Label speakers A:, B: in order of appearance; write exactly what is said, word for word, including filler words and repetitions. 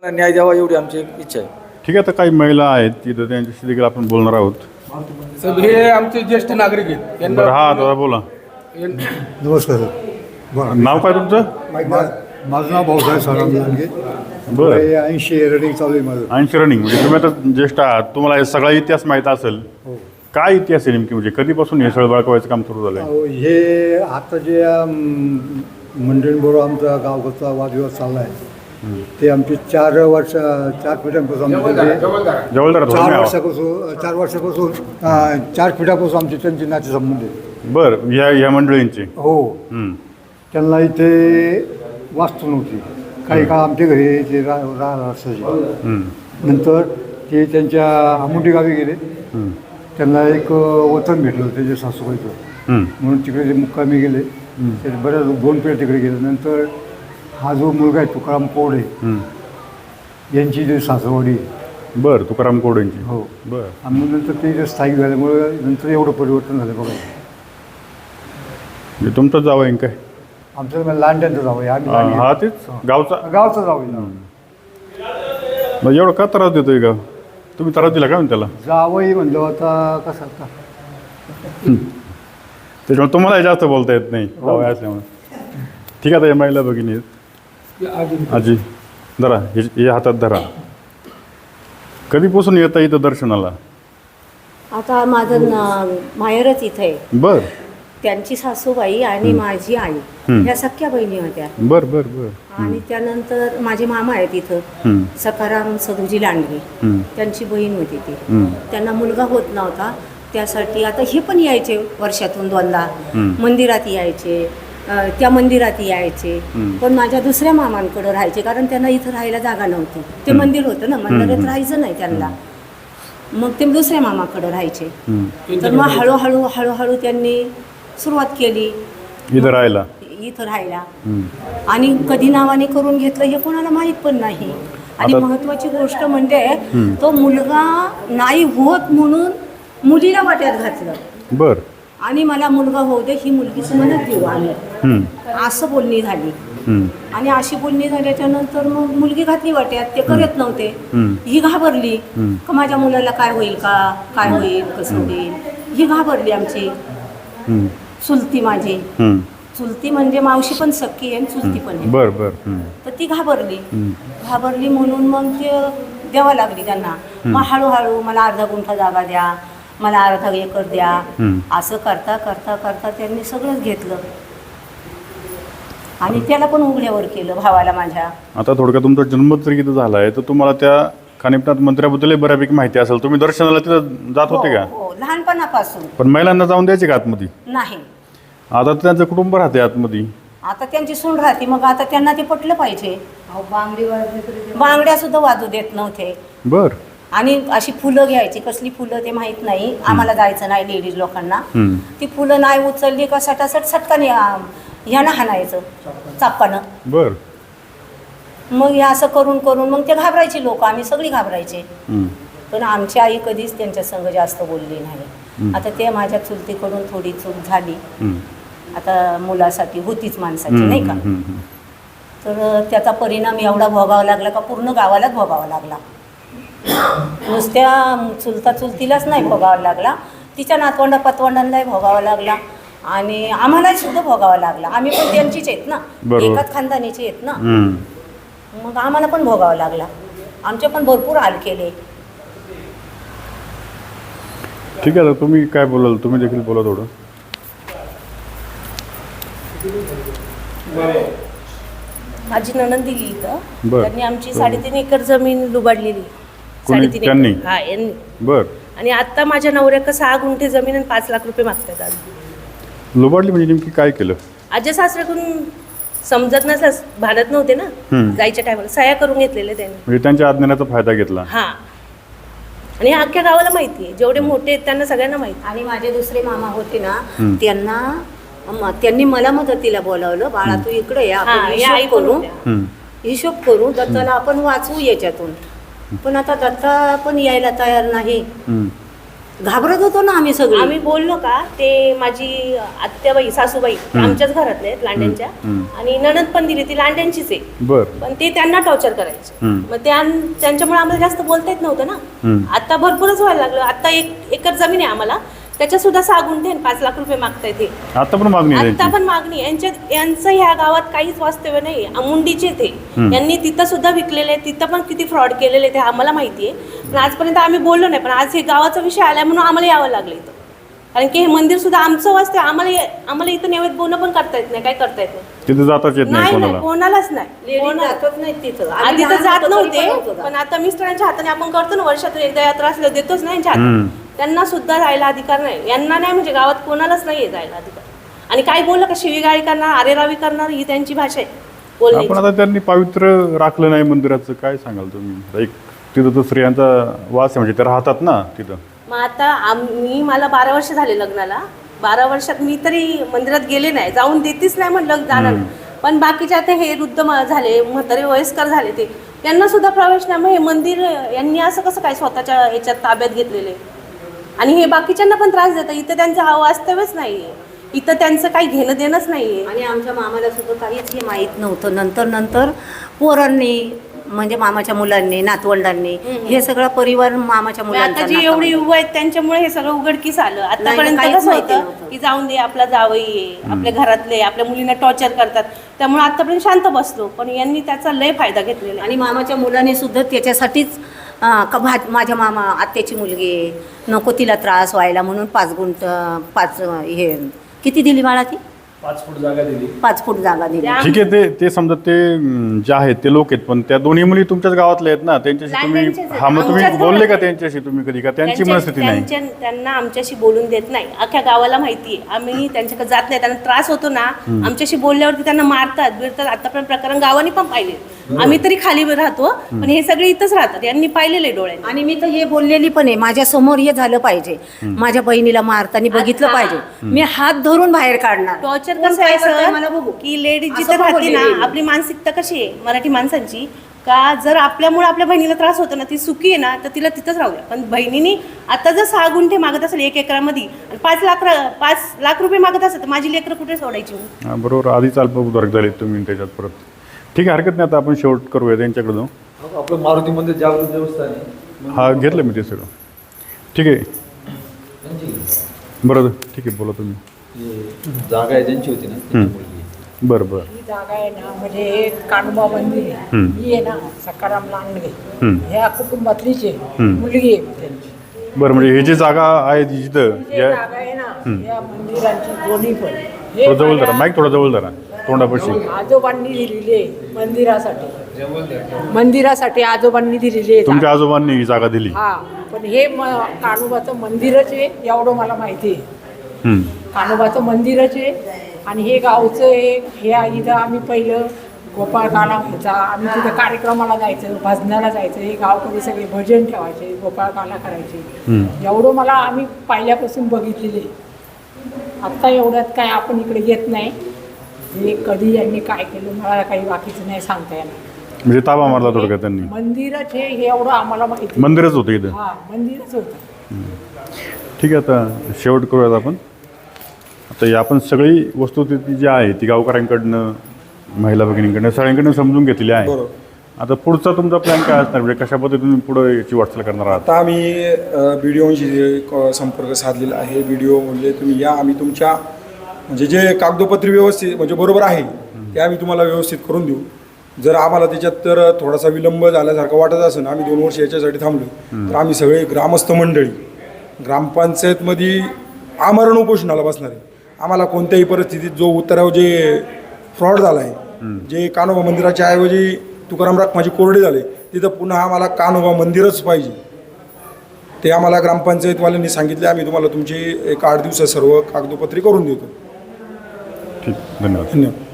A: न्याय द्यावा एवढी आमची इच्छा आहे.
B: ठीक आहे, तर काही महिला आहेत तिथं त्यांच्याशी देखील आपण बोलणार आहोत.
C: साहेब हे आमचे ज्येष्ठ नागरिक आहेत यांना
B: बरं, हा दादा बोला.
D: नमस्कार सर.
B: नाव काय तुमचं?
D: मा- माझं नाव भाऊसाहेब साराम लांडगे.
B: बरं,
D: ऐंशी रनिंग चालू आहे माझं.
B: ऐंशी रनिंग म्हणजे तुम्ही आता ज्येष्ठ आहात, तुम्हाला हे सगळा इतिहास माहीत असेल.
D: हो.
B: काय इतिहास आहे नेमकी, म्हणजे कधीपासून हे सळ बाळकावायचं काम सुरू झालं?
D: अहो, हे आता जे अम, मंडळींबरोबर आमचा गावचा वादविवाद चालला आहे ते आमचे चार वर्ष चार पिढ्यांपासून आमचे
B: जवळदार
D: चार वर्षापासून चार वर्षापासून अं, चार पिढ्यापासून आमचे त्यांचे नाते संबंध आहेत.
B: बरं, ह्या ह्या मंडळींची.
D: हो.
B: हं.
D: त्यांना इथे वास्तू नव्हती. काही काळ आमच्या घरी ते रा राहणार असायचे.
B: हं.
D: नंतर ते त्यांच्या आमुंडी गावी गेले.
B: हं.
D: त्यांना एक वतन भेटलं त्याच्या सासूबाईचं,
B: हं.
D: म्हणून तिकडे ते मुक्कामी गेले. ते बऱ्याच दोन पिढ्या तिकडे गेले. नंतर हा जो मुलगा आहे तुकाराम कोडे
B: हं.
D: यांची जे सासरवाडी आहे.
B: बरं, तुकाराम कोडेंची.
D: हो.
B: बरं.
D: आणि मग नंतर ते जे स्थायिक झाल्यामुळे नंतर एवढं परिवर्तन झालं बघा.
B: म्हणजे तुमचं जावं आहे काय?
D: आमचं लांड्यांचं जावं आहे. आम्ही
B: हा
D: लांडगे.
B: हा, तेच गावचा.
D: गावचं जावं आहे.
B: मग एवढं का त्रास देतोय का तुम्ही? त्रास दिला का त्याला?
D: जावंही म्हणलं आता कसं आता
B: त्याच्यामुळे तुम्हाला जास्त बोलता येत नाही जावं असल्यामुळे. ठीक आहे, आता या महिला भगिनी आहेत. आजी धरा, हे हे हातात धरा. कधीपासून येता इथं दर्शनाला?
E: आता माझं न- माहेरच इथं आहे.
B: बर
E: त्यांची सासूबाई आणि माझी आई
B: हं.
E: ह्या सख्या बहिणी होत्या.
B: बर बर बर
E: आणि त्यानंतर माझे मामा आहेत इथं,
B: हं.
E: सखाराम सदुजी लांडगे.
B: हं.
E: त्यांची बहीण होती ती.
B: हं.
E: त्यांना मुलगा होत नव्हता, त्यासाठी आता हे पण यायचे वर्षातून दोनदा.
B: हं.
E: मंदिरात यायचे, अ, त्या मंदिरात यायचे.
B: हं.
E: पण माझ्या दुसऱ्या मामांकडे राहायचे, कारण त्यांना इथं राहायला जागा नव्हती. ते
B: हं.
E: मंदिर होतं ना, मंदिरात
B: हं.
E: राहायचं नाही त्यांना. मग ते दुसऱ्या मामाकडे राहायचे.
B: हं.
E: तर मग हळूहळू हळूहळू त्यांनी सुरुवात केली
B: इथं राहायला.
E: इथं राहायला.
B: हं.
E: आणि कधी नावाने करून घेतलं हे कोणाला माहीत पण नाही. आणि
B: आता-
E: महत्त्वाची गोष्ट म्हणजे
B: हं.
E: तो मुलगा नाही होत म्हणून मुलीला वाट्यात घातलं.
B: बर.
E: आणि मला मुलगा होऊ दे, ही मुलगीच म्हणत देऊ आम्ही,
B: हं.
E: असं बोलणी झाली.
B: हं.
E: आणि अशी बोलणी झाल्याच्या नंतर मग मुलगी घातली वाट्यात. ते करत नव्हते.
B: हं.
E: ही घाबरली
B: हं.
E: का माझ्या मुलाला काय होईल का, काय होईल, कसं होईल. ही घाबरली आमची
B: हं.
E: चुलती माझी.
B: हं.
E: चुलती म्हणजे मावशी पण सक्की आहे आणि चुलती पण आहे.
B: बर बर. हं.
E: तर ती घाबरली.
B: हं.
E: घाबरली म्हणून मग ते द्यावं लागली त्यांना. मग हळूहळू मला अर्धा गुंठा जागा द्या, मला अर्धा एकर द्या,
B: हं.
E: असं करता करता करता त्यांनी सगळंच घेतलं. आणि त्याला पण उघड्यावर केलं भावाला माझ्या.
B: आता थोडक्यात तुमचा जन्म जर इथं झाला आहे तर तुम्हाला त्या खानिपनाथ मंदिराबद्दल बऱ्यापैकी माहिती असेल. तुम्ही दर्शनाला तिथं जात होते का?
E: हो, हो, लहानपणापासून.
B: पण महिलांना जाऊन द्यायचे का आतमध्ये?
E: नाही.
B: आता तर त्यांचं कुटुंब राहते आतमध्ये.
E: आता त्यांची सून राहते, मग आता त्यांना ते पटलं पाहिजे. बांगड्या सुद्धा वाजू देत नव्हते.
B: बर.
E: आणि अशी फुलं घ्यायची, कसली फुलं ते माहीत नाही आम्हाला, जायचं नाही लेडीज लोकांना.
B: हं.
E: ती फुलं नाही उचलली का सटासट सटकाने ह्यानं हाणायचं चाप्पानं.
B: बर.
E: मग हे असं करून करून मग ते घाबरायचे लोक, आम्ही सगळी घाबरायचे.
B: हं.
E: पण आमची आई कधीच त्यांच्या संग जास्त बोलली नाही.
B: हं.
E: आता ते माझ्या चुलतीकडून थोडी चूक झाली.
B: हं.
E: आता मुलासाठी होतीच माणसाची,
B: हं.
E: नाही का.
B: हं. हं.
E: तर त्याचा परिणाम एवढा भोगावा लागला का पूर्ण गावालाच भोगावा लागला. नुसत्या चुलता चुलतीलाच नाही भोगावा लागला, तिच्या नातवंडा पतवंडांनाही भोगावा लागला. आणि आम्हालाही सुद्धा भोगावा लागला. आम्ही पण त्यांचीच आहेत ना,
B: बरोबर.
E: एकाच खानदानीचे आहेत ना.
B: हं.
E: मग आम्हाला पण भोगावा लागला. आमचे पण भरपूर हाल केले.
B: ठीक आहे, तर तुम्ही काय बोलाल? तुम्ही देखील बोला थोडं.
F: माझी नणंद दिली इथं.
B: बरं.
F: त्यांनी आमची साडेतीन एकर जमीन लुबाडलेली.
B: कोणी?
F: साडेतीन
B: त्यांनी?
F: एकर. हा, यांनी.
B: बर.
F: आणि आता माझ्या नवऱ्याला सहा गुंठे जमीन आणि पाच लाख रुपये मागतात आज.
B: लोबाडली म्हणजे नेमकी काय केलं?
F: आजी सासऱ्याकडून समजत नसल्यास भांडत नव्हते ना,
B: हं.
F: जायच्या टायमाला सह्या करून घेतलेल्या त्यांनी.
B: म्हणजे त्यांच्या अज्ञानाचा फायदा घेतला.
F: हा. आणि हे अख्ख्या गावाला माहिती आहे, जेवढे मोठे आहेत त्यांना सगळ्यांना माहिती.
E: आणि माझे दुसरे मामा होते ना,
B: हं.
E: त्यांना म- त्यांनी मला मदतीला बोलावलं. बाळा तू इकडे या,
F: हा,
E: आपण
F: या आई
E: हिशोब
F: पण
E: करू,
F: होत्या.
B: हं.
E: हिशोब करू, दत्ताला आपण वाचवू याच्यातून. पण आता दत्ता पण यायला तयार नाही.
B: हं.
E: घाबरत होतो ना आम्ही सगळे.
F: आम्ही बोललो का ते माझी आत्याबाई सासूबाई आमच्याच घरातले आहेत लांड्यांच्या, आणि नणद पण दिली ती लांड्यांचीच आहे,
B: बर
F: पण ते त्यांना टॉर्चर करायचे.
B: हम्म.
F: मग त्या त्यांच्यामुळे आम्हाला जास्त बोलता येत नव्हतं ना.
B: हम्म.
F: आता भरपूरच व्हायला लागलं. आता एक एकर जमीन आहे आम्हाला, त्याच्या सुद्धा सहा गुंठे आणि पाच लाख रुपये मागतायत ते.
B: आता पण मागणी आहे
F: आता
B: त्यांची.
F: पण मागणी आहे. यांच्या यांचं ह्या गावात काहीच वास्तव्य नाही. मुंडीचे ते यांनी तिथं सुद्धा विकलेले आहे, तिथं पण किती फ्रॉड केलेले ते आम्हाला माहिती आहे. पण आजपर्यंत आम्ही बोललो नाही, पण आज हे गावाचा विषय आला म्हणून आम्हाला यावं लागलं इथं. कारण की हे मंदिर सुद्धा आमचं वास्तव्य, आम्हाला आम्हाला इथं नैवेद्य बोलणं पण करता येत नाही, काय करता येत नाही.
B: तिथे जाताच येत नाही
F: नाही
B: कोणाला.
F: नाही, कोणालाच नाही.
E: लेडीज
F: कोणा-
E: जातच नाहीत तिथं. आम्ही
F: आधी तर
E: लहान
F: जात
E: होतो तरी
F: नव्हते,
E: पण नव्हतो.
F: पण आता मिस्टरांच्या हाताने आपण करतो ना, वर्षातून एकदा यात्रा असल्या देतोच नाही यांच्या
B: हम्म.
F: हातात. त्यांना सुद्धा जायला अधिकार नाही, यांना नाही, म्हणजे गावात कोणालाच नाहीये जायला अधिकार. आणि काय बोललं का शिवीगाळी करणार, आरेरावी करणार, ही त्यांची भाषा आहे बोलण्याची.
B: आपण आता त्यांनी पवित्र राखलं नाही मंदिराचं, काय सांगाल तुम्ही? एक तिथं तो स्त्रियांचा वास आहे, म्हणजे ते राहतात ना तिथं.
F: मग आता आम्ही मला बारा वर्ष झाले लग्नाला. बारा वर्षात मी तरी मंदिरात गेले नाही, जाऊन देतीच नाही म्हणलं जाणार. पण बाकीचे आता हे वृद्ध म- झाले, म्हातारे वयस्कर झाले, ते त्यांना सुद्धा प्रवेश नाही. मग हे मंदिर यांनी असं कसं काय स्वतःच्या याच्यात ताब्यात घेतलेले, आणि हे बाकीच्यांना पण त्रास देतात. इथं त्यांचं वास्तव्यच नाहीये, इथं त्यांचं काही घेणं देणंच नाहीये.
E: आणि आमच्या मामाला सुद्धा काहीच हे माहीत नव्हतं. नंतर नंतर पोरांनी, म्हणजे मामाच्या मुलांनी, नातवंडांनी, हे सगळा परिवार मामाच्या
F: मग आता
E: मुलांचा
F: जी
E: नातवंड.
F: एवढी युवा आहेत त्यांच्यामुळे हे सगळं उघडकीस आलं. आतापर्यंत
E: काहीच
F: कसं
E: माहिती
F: होतं
E: नव्हतं.
F: की जाऊन दे, आपला जावई आहे, आपल्या घरातले आपल्या मुलींना टॉर्चर करतात, त्यामुळे आतापर्यंत शांत बसलो. पण यांनी त्याचा लय फायदा घेतलेला आहे.
E: आणि मामाच्या मुलांनी सुद्धा त्याच्यासाठीच अं, का भा माझ्या मामा आत्याची मुलगी आहे, नको तिला त्रास व्हायला म्हणून पाच गुंठ पाच अं, हे किती दिली बाळा ती?
A: पाच फूट जागा दिली.
E: पाच फूट जागा दिली.
F: त्या-
B: ठीक आहे, ते ते समजा ते अं, जे आहेत ते लोक आहेत, पण त्या दोन्ही मुली तुमच्याच गावातल्या आहेत ना, त्यांच्याशी तुम्ही
F: लहानच्यांच्याच आहेत.
B: हा मग तुम्ही
F: आमच्याच
B: बोलले का
F: घरात.
B: त्यांच्याशी तुम्ही कधी? का त्यांची
F: त्यांच्या-
B: मनस्थिती नाही?
F: त्यांच्या- त्यांना आमच्याशी बोलून देत नाही. अख्ख्या गावाला माहिती आहे. आम्ही त्यांच्याकडे जात नाही, त्यांना त्रास होतो ना, आमच्याशी बोलल्यावरती त्यांना मारतात बिरतात. आतापर्यंत प्रकरण गावाने पण पाहिले. आम्ही तरी खाली राहतो, पण हे सगळे इथंच राहतात, यांनी पाहिलेले डोळ्याने.
E: आणि मी तर हे बोललेली पण आहे, माझ्या समोर हे झालं पाहिजे, माझ्या बहिणीला मारताना बघितलं
F: आता-
E: पाहिजे, मी हात धरून बाहेर काढणार.
F: टॉर्चर
E: कोण
F: कसं
E: काय
F: आहे
E: करतंय
F: सर,
E: मला बघू.
F: की लेडीज
E: असं
F: जिथं
E: पण
F: राहते ना,
E: बोललेली.
F: आपली मानसिकता कशी आहे मराठी माणसांची, का जर आपल्यामुळे आपल्या बहिणीला त्रास होतो ना, ती सुखी आहे ना, तर तिला तिथंच राहूया. पण बहिणीने आता जर सहा गुंठे मागत असेल एक एकरामध्ये आणि पाच लाख रा- पाच लाख रुपये मागत असेल, तर माझी लेकरं कुठे सोडायची मी?
B: हा, बरोबर. आधीच अल्पभूधारक झाले तुम्ही त्याच्यात परत. ठीक आहे, हरकत नाही. आता आपण शेवट करूया त्यांच्याकडे जाऊ.
A: आपलं मारुती मंदिर जागृत देवस्थान आहे.
B: हा, घेतलं मी ते सगळं. ठीक आहे, बरं ठीक आहे, बोला तुम्ही.
A: हे जागा आहे ज्यांची होती ना त्यांची मुलगी.
B: बरं बरं.
G: ही जागा आहे ना, म्हणजे हे कानोबा मंदिर आहे,
B: हम्म.
G: ही आहे ना सकाराम लांडगे
B: हम्म.
G: ह्या कुटुंबातलीच आहे,
B: हम्म.
G: मुलगी आहे त्यांची.
B: बरं, म्हणजे हे जी जागा आहे जी जिथं
G: ही
B: या
G: जागा आहे ना, या मंदिरांची दोन्ही पण हे
B: थोडं जवळ धरा,
G: माझ्या
B: माईक थोडं जवळ धरा तोंडापाशी.
G: आजोबांनी दिलेली आहे मंदिरासाठी, मंदिरासाठी आजोबांनी दिलेली आहे
B: तुमच्या
G: जागा.
B: आजोबांनी ही जागा दिली.
G: हा, पण हे म कानोबाचं मंदिरच आहे एवढं मला माहिती आहे.
B: हम्म.
G: कानोबाचं मंदिरच आहे, आणि हे गावचं आहे. हे इथं आम्ही पहिलं गोपाळकाला व्हायचा, आम्ही तिथं कार्यक्रमाला जायचं, भजनाला जायचं, हे गावकरी सगळे भजन ठेवायचे, गोपाळकाला करायचे.
B: हम्म.
G: एवढं मला आम्ही पहिल्यापासून बघितलेले. आत्ता एवढ्यात काय आपण इकडे येत नाही. हे कधी यांनी काय केलं मला काही बाकीचं नाही सांगता येणार.
B: म्हणजे ताबा मारला थोडक्यात त्यांनी.
G: मंदिरच हे हे एवढं आम्हाला माहिती.
B: मंदिरच होतं इथं.
G: हा, मंदिरच होतं.
B: ठीक आहे, आता शेवट करूयात आपण. आता ही आपण सगळी वस्तुस्थिती जी आहे ती गावकऱ्यांकडनं, महिला भगिनींकडनं, सगळ्यांकडनं समजून घेतलेली आहे. आता पुढचा तुमचा प्लॅन काय असणार, म्हणजे कशा पद्धतीने तुम्ही पुढे याची वाटचाल करणार आहात?
H: आता आम्ही बी डी ओशी संपर्क साधलेला आहे. बी डी ओ म्हणजे तुम्ही या, आम्ही तुमच्या म्हणजे जे कागदोपत्री व्यवस्थित म्हणजे बरोबर आहे ते आम्ही तुम्हाला व्यवस्थित करून देऊ. जर आम्हाला त्याच्यात तर थोडासा विलंब झाल्यासारखं वाटत असेल, आम्ही दोन वर्ष याच्यासाठी थांबलो, तर आम्ही सगळे ग्रामस्थ मंडळी ग्रामपंचायतमध्ये आमरण उपोषणाला बसणार आहे. आम्हाला कोणत्याही परिस्थितीत जो उत्तराव जे फ्रॉड झाला आहे, जे कानोबा मंदिराच्या ऐवजी तुकाराम रखमाजी कोरडे झाले, तिथं पुन्हा आम्हाला कानोबा मंदिरच पाहिजे. ते आम्हाला ग्रामपंचायतवाल्यांनी सांगितले. आम्ही तुम्हाला तुमची एक आठ दिवसात सर्व कागदोपत्री करून देतो.
B: ठीक, धन्यवाद.
H: धन्यवाद.